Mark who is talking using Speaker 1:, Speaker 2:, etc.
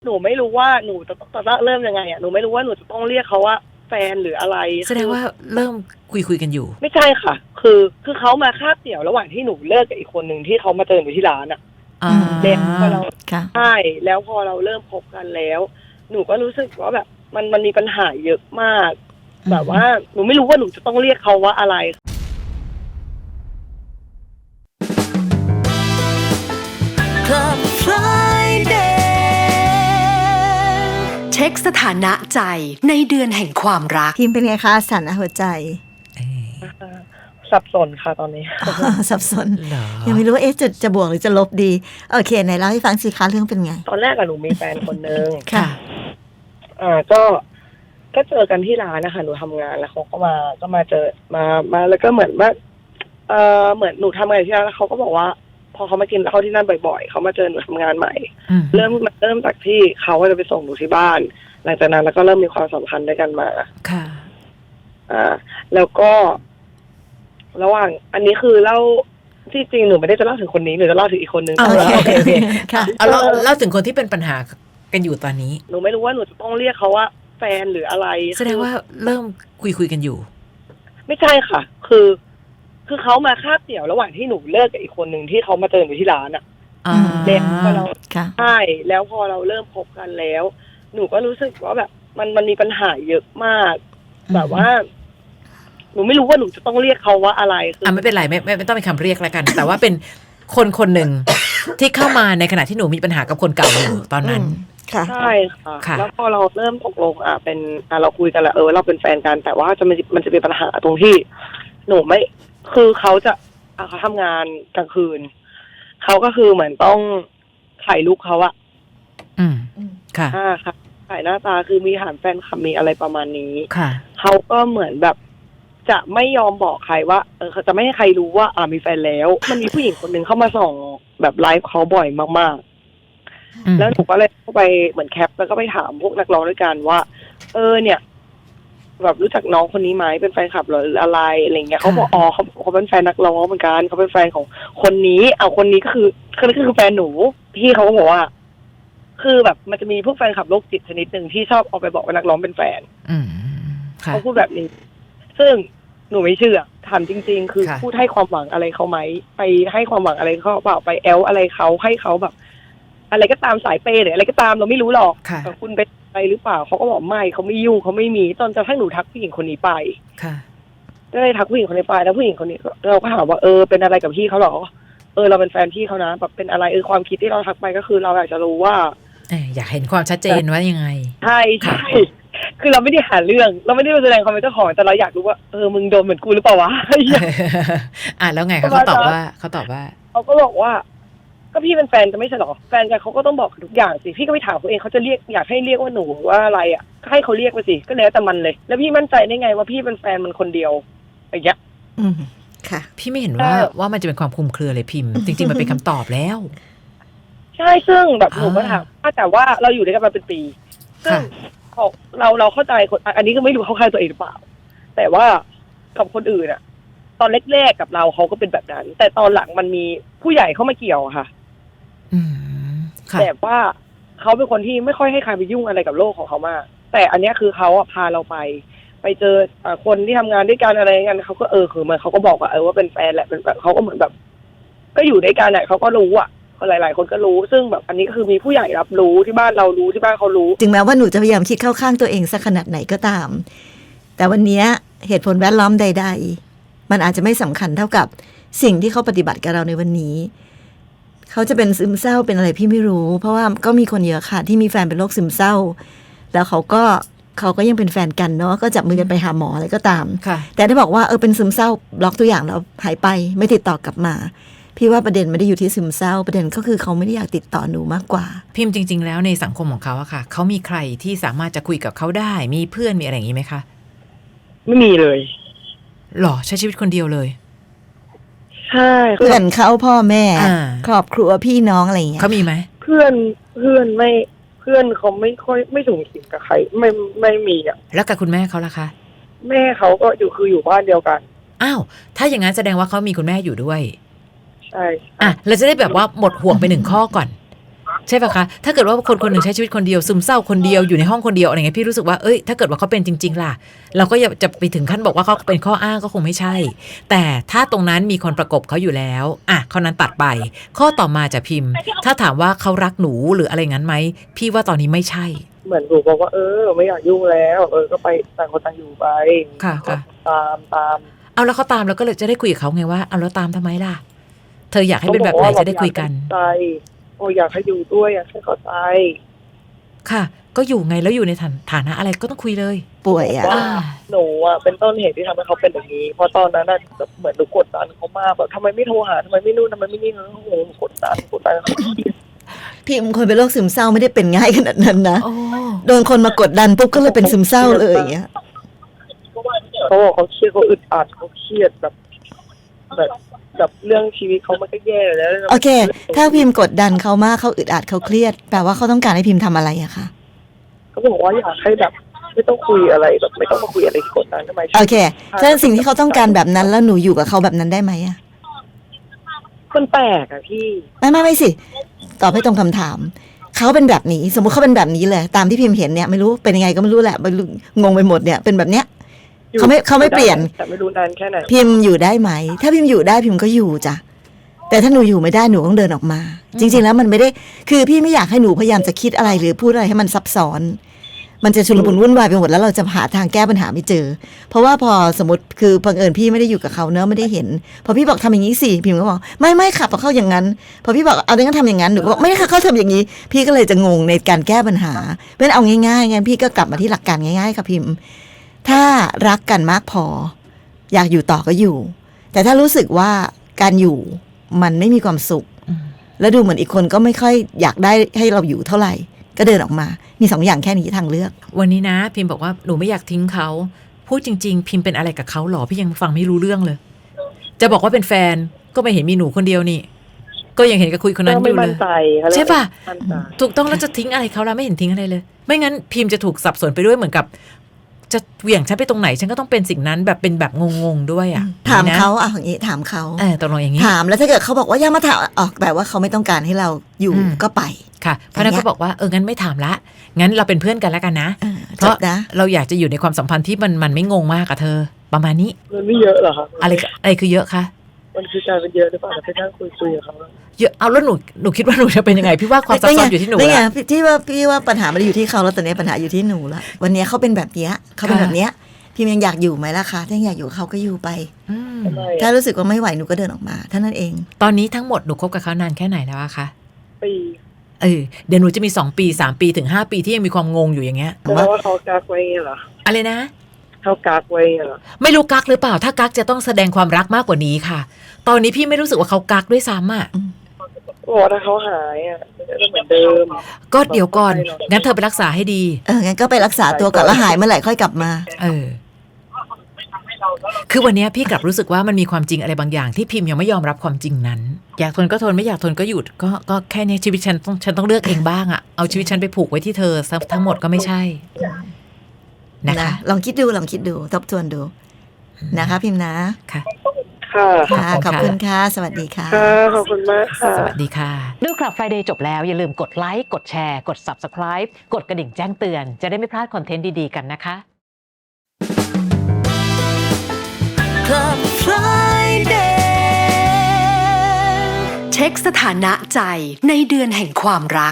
Speaker 1: หนูไม่รู้ว่าหนูจะเริ่มยังไงอ่ะหนูไม่รู้ว่าหนูจะต้องเรียกเขาว่าแฟนหรืออะไร
Speaker 2: แสดงว่าเริ่มคุยกันอยู่
Speaker 1: ไม่ใช่ค่ะคือเขามาคาบเกี่ยวระหว่างที่หนูเลิกกับอีกคนหนึ่งที่เขามาเจอหนูที่ร้านอ่ะแล้วพอเราใช่แล้วพอเราเริ่มพบกันแล้วหนูก็รู้สึกว่าแบบมันมีปัญหาเยอะมากแบบว่าหนูไม่รู้ว่าหนูจะต้องเรียกเขาว่าอะไร
Speaker 3: Club Friday เช็คสถานะใจในเดือนแห่งความรัก
Speaker 4: พิมพ์เป็นไงคะสถานะหัวใจ
Speaker 1: สับสนค่ะตอนนี้
Speaker 4: สับสนยังไม่รู้ว่าจะบวกหรือจะลบดีโอเคไหนเล่าให้ฟังสิคะเรื่องเป็นไง
Speaker 1: ตอนแรกอะหนูมีแฟนคนนึง
Speaker 4: ค่ะ
Speaker 1: ก็เจอกันที่ร้านนะคะหนูทำงานแล้วเขาก็มาเจอมาแล้วก็เหมือนว่าเหมือนหนูทำงานที่ร้านแล้วเขาก็บอกว่าพอเขามากินข้าวที่นั่นบ่อยๆเขามาเจอหนูทำงานใหม่เริ่มจากที่เขาจะไปส่งหนูที่บ้านหลังจากนั้นแล้วก็เริ่มมีความสัมพันธ์ด้วยกันมา
Speaker 2: ค่ะ
Speaker 1: แล้วก็ระหว่างอันนี้คือเล่าที่จริงหนูไม่ได้จะเล่าถึงคนนี้หนูจะเล่าถึงอีกคนนึง
Speaker 2: โอเคค่ะเอาเล่าถึงคนที่เป็นปัญหากันอยู่ตอนนี้
Speaker 1: หนูไม่รู้ว่าหนูจะต้องเรียกเขาว่าแฟนหรืออะไร
Speaker 2: แสดงว่าเริ่มคุยกันอยู่
Speaker 1: ไม่ใช่ค่ะคือเขามาคาบเกี่ยวระหว่างที่หนูเลิกกับอีกคนหนึ่งที่เขามาเจอหนูที่ร้านอ่ะแล้วพอเราใช่แล้วพอเราเริ่มพบกันแล้วหนูก็รู้สึกว่าแบบมันมีปัญหาเยอะมากแบบว่าหนูไม่รู้ว่าหนูจะต้องเรียกเขาว่าอะไร
Speaker 2: ไม่เป็นไรไม่ต้องเป็นคำเรียกแล้วกัน แต่ว่าเป็นคนหนึ่งที่เข้ามาในขณะที่หนูมีปัญหากับคนเก่าอยู่ตอนนั้น
Speaker 1: ใช่ค่ะแล้วพอเราเริ่มตกลงเป็นเราคุยกันแล้วเราเป็นแฟนกันแต่ว่ามันจะเป็นปัญหาตรงที่หนูไม่คือเขาทำงานกลางคืนเขาก็คือเหมือนต้องถ่ายลูกเขาอะ
Speaker 2: ค่ะ
Speaker 1: ค่ะถ่ายหน้าตาคือมีฐานแฟนคลับมีอะไรประมาณนี้
Speaker 2: ค่ะ
Speaker 1: เขาก็เหมือนแบบจะไม่ยอมบอกใครว่าเขาจะไม่ให้ใครรู้ว่ามีแฟนแล้วมันมีผู้หญิงคนหนึ่งเข้ามาส่องแบบไลฟ์เขาบ่อยมากๆแล้วหนูก็เลยเข้าไปเหมือนแคปแล้วก็ไปถามพวกนักร้องด้วยกันว่าเนี่ยแบบรู้จักน้องคนนี้ไหมเป็นแฟนคลับหรืออะไรเงี้ยเขาบอกเขาเป็นแฟนนักร้องเหมือนกันเขาเป็นแฟนของคนนี้คนนี้ก็คือแฟนหนูพี่เขาก็บอกว่าคือแบบมันจะมีพวกแฟนคลับโรคจิตชนิดหนึ่งที่ชอบเอาไปบอกว่านักร้องเป็นแฟนเขาพูดแบบนี้ซึ่งหนูไม่เชื่อถามจริงๆคือพูดให้ความหวังอะไรเขาไหมไปให้ความหวังอะไรเขาเปล่าไปแอลอะไรเขาให้เขาแบบอะไรก็ตามสายเปย์หรืออะไรก็ตามเราไม่รู้หรอกแต่คุณไปหรือเปล่าเขาก็บอกไม่เขาไม่ยุ่งเขาไม่มีตอนจะให้หนูทักผู้หญิงคนนี้ไปก็เลยทักผู้หญิงคนนี้ไปแล้วผู้หญิงคนนี้เราก็ถามว่าเป็นอะไรกับพี่เขาหรอเราเป็นแฟนพี่เขานะแบบเป็นอะไรความคิดที่เราทักไปก็คือเราอยากจะรู้ว่า
Speaker 2: อยากเห็นความชัดเจนว่ายังไง
Speaker 1: ใช่คือเราไม่ได้หาเรื่องเราไม่ได้แสดงความเป็นเจ้าของแต่เราอยากรู้ว่ามึงโดนเหมือนกูหรือเปล่าวะ
Speaker 2: แล้วไงเขาตอบว่าเขา
Speaker 1: ก็บอกว่าก็พี่เป็นแฟนกันไม่ใช่หรอแฟนกันเขาก็ต้องบอกทุกอย่างสิพี่ก็ไปถามเขาเองเขาจะเรียกอยากให้เรียกว่าหนูว่าอะไรให้เขาเรียกไปสิก็แล้วแต่มันเลยแล้วพี่มั่นใจได้ไงว่าพี่เป็นแฟนมันคนเดียวอย่างเงี้ย
Speaker 2: ค่ะพี่ไม่เห็นว่ามันจะเป็นความคลุมเครือเลยพิมพ์จริงๆมันเป็นคำตอบแล้ว
Speaker 1: ใช่ซึ่งแบบหนูก็ถามแต่ว่าเราอยู่ด้วยกันมาเป็นปีซึ่งเราเข้าใจคนอันนี้ก็ไม่รู้เขาเข้าใจตัวเองหรือเปล่าแต่ว่ากับคนอื่นตอนแรกๆกับเราเขาก็เป็นแบบนั้นแต่ตอนหลังมันมีผู้ใหญ่เข้ามาเกี่ยวค่ะแต่ว่าเขาเป็นคนที่ไม่ค่อยให้ใครไปยุ่งอะไรกับโลกของเขามากแต่อันนี้คือเขาพาเราไปเจอคนที่ทำงานด้วยกันอะไรกันเขาก็คือมันเขาก็บอกว่าเป็นแฟนแหละเป็นแบบเขาก็เหมือนแบบก็อยู่ด้วยกันเขาก็รู้หลายๆคนก็รู้ซึ่งแบบอันนี้ก็คือมีผู้ใหญ่รับรู้ที่บ้านเรารู้ที่บ้านเขารู้
Speaker 4: ถึงแม้ว่าหนูจะพยายามคิดเข้าข้างตัวเองสักขนาดไหนก็ตามแต่วันนี้เหตุผลแวดล้อมใดๆมันอาจจะไม่สำคัญเท่ากับสิ่งที่เขาปฏิบัติกับเราในวันนี้เขาจะเป็นซึมเศร้าเป็นอะไรพี่ไม่รู้เพราะว่าก็มีคนเยอะค่ะที่มีแฟนเป็นโรคซึมเศร้าแล้วเขาก็ยังเป็นแฟนกันเนาะก็จับมือกันไปหาหมออะไรก็ตามแต่ถ้าบอกว่าเป็นซึมเศร้าบล็อกตัวอย่างแล้วหายไปไม่ติดต่อกลับมาพี่ว่าประเด็นไม่ได้อยู่ที่ซึมเศร้าประเด็นก็คือเขาไม่ได้อยากติดต่อหนูมากกว่า
Speaker 2: พิมพ์จริงๆแล้วในสังคมของเขาอะค่ะเขามีใครที่สามารถจะคุยกับเขาได้มีเพื่อนมีอะไรอย่างนี้ไหมคะ
Speaker 1: ไม่มีเลย
Speaker 2: หรอใช้ชีวิตคนเดียวเลย
Speaker 1: ใช่
Speaker 4: เพื่อนเขาพ่อแม่ครอบครัวพี่น้องอะไรอย่างเงี้ย
Speaker 2: เขามีไหม
Speaker 1: เพื่อนไม่เพื่อนเขาไม่ค่อยไม่สูงสิงกับใครไม่มี
Speaker 2: แล้วกับคุณแม่เขาล่ะคะ
Speaker 1: แม่เขาก็อยู่บ้านเดียวกัน
Speaker 2: อ้าวถ้าอย่างนั้นแสดงว่าเขามีคุณแม่อยู่ด้วย
Speaker 1: ใช่
Speaker 2: เราจะได้แบบว่าหมดห่วงไป1ข้อก่อนใช่ป่ะคะถ้าเกิดว่าคนคนหนึ่งใช้ชีวิตคนเดียวซึมเศร้าคนเดียวอยู่ในห้องคนเดียวอะไรเงี้ยพี่รู้สึกว่าเอ้ยถ้าเกิดว่าเขาเป็นจริงๆล่ะเราก็อย่าจะไปถึงขั้นบอกว่าเขาเป็นข้ออ้างก็คงไม่ใช่แต่ถ้าตรงนั้นมีคนประกบเขาอยู่แล้วอ่ะข้อนั้นตัดไปข้อต่อมาจะพิมพ์ ถ้าถามว่าเขารักหนูหรืออะไรงั้นไหมพี่ว่าตอนนี้ไม่ใช่
Speaker 1: เหมือนหนูบอกว่าไม่อยากยุ่งแล้วก็ไปต่างคนต่างอยู่ไป
Speaker 2: ค่ะค่ะ
Speaker 1: ตาม
Speaker 2: เอาแล้วเขาตามแล้วก็เลยจะได้คุยกับเขาไงว่าเอาแล้วตามทำไมล่ะเธออยากให้เป็นแบบไหนจะได้คุยกัน
Speaker 1: อยากให้อยู่ด้วยอยากให้เข้าใจ
Speaker 2: ค่ะก็อยู่ไงแล้วอยู่ในฐานะอะไรก็ต้องคุยเลย
Speaker 4: ป่วยอ่ะ
Speaker 1: หนูเป็นต้นเหตุที่ทำให้เขาเป็นแบบนี้เพราะตอนนั้นเหมือนหนูกดดันเขามากแบบทำไมไม่โทรหาทำไมไม่นู่นทำไมไม่นี่เขากดดันเขา
Speaker 4: พี่คนเป็นโรคซึมเศร้าไม่ได้เป็นง่ายขนาดนั้นนะโดนคนมากดดันปุ๊บก็เลยเป็นซึมเศร้าเลยอย่างเงี้ย
Speaker 1: เขาบอกเขาเครียดเขาอึดอัดเขาเครียดแบบเรื่องชีวิตเขามันก็แย่แล้ว
Speaker 4: โอเคถ้าพิมพ์กดดันเขามากเขาอึดอัดเขาเครียดแปลว่าเขาต้องการให้พิมพ์ทำอะไรอะคะ
Speaker 1: เขาบอกว่าอยากให้แบบไม่ต้องคุยอะไรแบบไม่ต้องมาคุยอะไรกดดันทำไม
Speaker 4: โอเคฉะนั้นสิ่งที่เขาต้องการแบบนั้นแล้วหนูอยู่กับเขาแบบนั้นได้ไหมอะ
Speaker 1: มันแปลกอะพี่
Speaker 4: ไม่สิตอบให้ตรงคำถามเขาเป็นแบบนี้สมมติเขาเป็นแบบนี้เลยตามที่พิมพ์เห็นเนี่ยไม่รู้เป็นยังไงก็ไม่รู้แหละงงไปหมดเนี่ยเป็นแบบเนี้ยเขาไม่เปลี่ยน
Speaker 1: แต่ไม่รู้นานแค่ไหน
Speaker 4: พิมพ์อยู่ได้ไหมถ้าพิมพ์อยู่ได้พิมพ์ก็อยู่จ้ะแต่ถ้าหนูอยู่ไม่ได้หนูต้องเดินออกมาจริงๆแล้วมันไม่ได้คือพี่ไม่อยากให้หนูพยายามจะคิดอะไรหรือพูดอะไรให้มันซับซ้อนมันจะชุลมุนวุ่นวายไปหมดแล้วเราจะหาทางแก้ปัญหาไม่เจอเพราะว่าพอสมมติคือบังเอิญพี่ไม่ได้อยู่กับเขาเนอะไม่ได้เห็นพอพี่บอกทำอย่างนี้สิพิมพ์ก็บอกไม่ค่ะพอเข้าอย่างนั้นพอพี่บอกเอาดังนั้นทำอย่างนั้นหนูก็บอกไม่ค่ะเขาทำอย่างนี้พี่ก็เลยจะงงในการแก้ปัญหาเพราะฉะนั้นเอาง่ายๆงั้นพี่ก็กลับมาที่หลักการง่ายๆค่ะพิมพ์ถ้ารักกันมากพออยากอยู่ต่อก็อยู่แต่ถ้ารู้สึกว่าการอยู่มันไม่มีความสุขแล้วดูเหมือนอีกคนก็ไม่ค่อยอยากได้ให้เราอยู่เท่าไหร่ก็เดินออกมามี2 อย่างแค่นี้ทางเลือก
Speaker 2: วันนี้นะพิมพ์บอกว่าหนูไม่อยากทิ้งเขาพูดจริงๆพิมพ์เป็นอะไรกับเขาหรอพี่ยังฟังไม่รู้เรื่องเลยจะบอกว่าเป็นแฟนก็ไม่เห็นมีหนูคนเดียวนี่ก็ยังเห็นกับคุยคนนั้นอยู่เลยใช่ป่ะถูกต้องแล้วจะทิ้งอะไรเขาแล้วไม่เห็นทิ้งอะไรเลยไม่งั้นพิมพ์จะถูกสับสนไปด้วยเหมือนกับจะเหวี่ยงฉันไปตรงไหนฉันก็ต้องเป็นสิ่งนั้นแบบเป็นแบบงงๆด้วยอ่ะ
Speaker 4: ถามเขาอย่างนี้ถามเขา
Speaker 2: ตกลงอย่างนี้
Speaker 4: ถามแล้วถ้าเกิดเขาบอกว่าอย่ามาถามแปลว่าเขาไม่ต้องการให้เราอยู่ก็ไป
Speaker 2: ค่ะเพราะนั้นก็บอกว่างั้นไม่ถามละงั้นเราเป็นเพื่อนกันแล้วกันนะเพราะเราอยากจะอยู่ในความสัมพันธ์ที่มันไม่งงมากกับเธอประมาณนี้
Speaker 1: มันไม่เยอะหรอคะ
Speaker 2: อะไรคือเยอะคะ
Speaker 1: มันคือการเป็นเยอะหรือเปล่าไปนั่งคุยกับเขา
Speaker 2: เยอะเอาแล้วหนูคิดว่าหนูจะเป็นยังไงพี่ว่าความซับซ้อนอยู่ที่หนู
Speaker 4: ละพี่ว่าปัญหาไม่ได้อยู่ที่เขาแล้วแต่เนี่ยปัญหาอยู่ที่หนูละวันนี้เขาเป็นแบบนี้เขาเป็นแบบนี้พี่ยังอยากอยู่ไหมล่ะคะถ้าอยากอยู่เขาก็อยู่ไปถ้ารู้สึกว่าไม่ไหวหนูก็เดินออกมาเท่านั้นเอง
Speaker 2: ตอนนี้ทั้งหมดหนูคบกับเขานานแค่ไหนแล้วอะคะ
Speaker 1: ปี
Speaker 2: เดี๋ยวหนูจะมี2 ปี3 ปีถึง5 ปีที่ยังมีความงงอยู่อย่างเงี้ย
Speaker 1: ว่าเขากักไว้เหรอ
Speaker 2: อะไรนะ
Speaker 1: เขากักไว้เหรอ
Speaker 2: ไม่รู้กักหรือเปล่าถ้ากักจะต้องแสดงความรักมากกว่านี้ค่ะตอนนี้พี่ไม่รู้สึกว่าเขากักด้วยซ้ำอ่ะ
Speaker 1: ถ้าเขาหายจะเหมือนเดิม
Speaker 2: ก็เดี๋ยวก่อนงั้นเธอไปรักษาให้ดี
Speaker 4: งั้นก็ไปรักษาตัวก่อนแล้วหายเมื่อไหร่ค่อยกลับมา
Speaker 2: คือวันนี้พี่กลับรู้สึกว่ามันมีความจริงอะไรบางอย่างที่พิมพ์ยังไม่ยอมรับความจริงนั้นอยากทนก็ทนไม่อยากทนก็หยุดก็แค่นี้ชีวิตฉันต้องเลือกเองบ้างอ่ะเอาชีวิตฉันไปผูกไว้ที่เธอทั้งหมดก็ไม่ใช่นะคะ
Speaker 4: ลองคิดดูทบทวนดูนะคะพิมพ์นะ
Speaker 2: ค่ะ
Speaker 4: ขอบคุณค่ะสวัสดีค่ะ
Speaker 1: ขอบคุณมากค่ะ
Speaker 2: สวัสดีค่ะ
Speaker 3: ดูคลับ Friday จบแล้วอย่าลืมกดไลค์กดแชร์กด Subscribe กดกระดิ่งแจ้งเตือนจะได้ไม่พลาดคอนเทนต์ดีๆกันนะคะ Club Friday เช็คสถานะใจในเดือนแห่งความรัก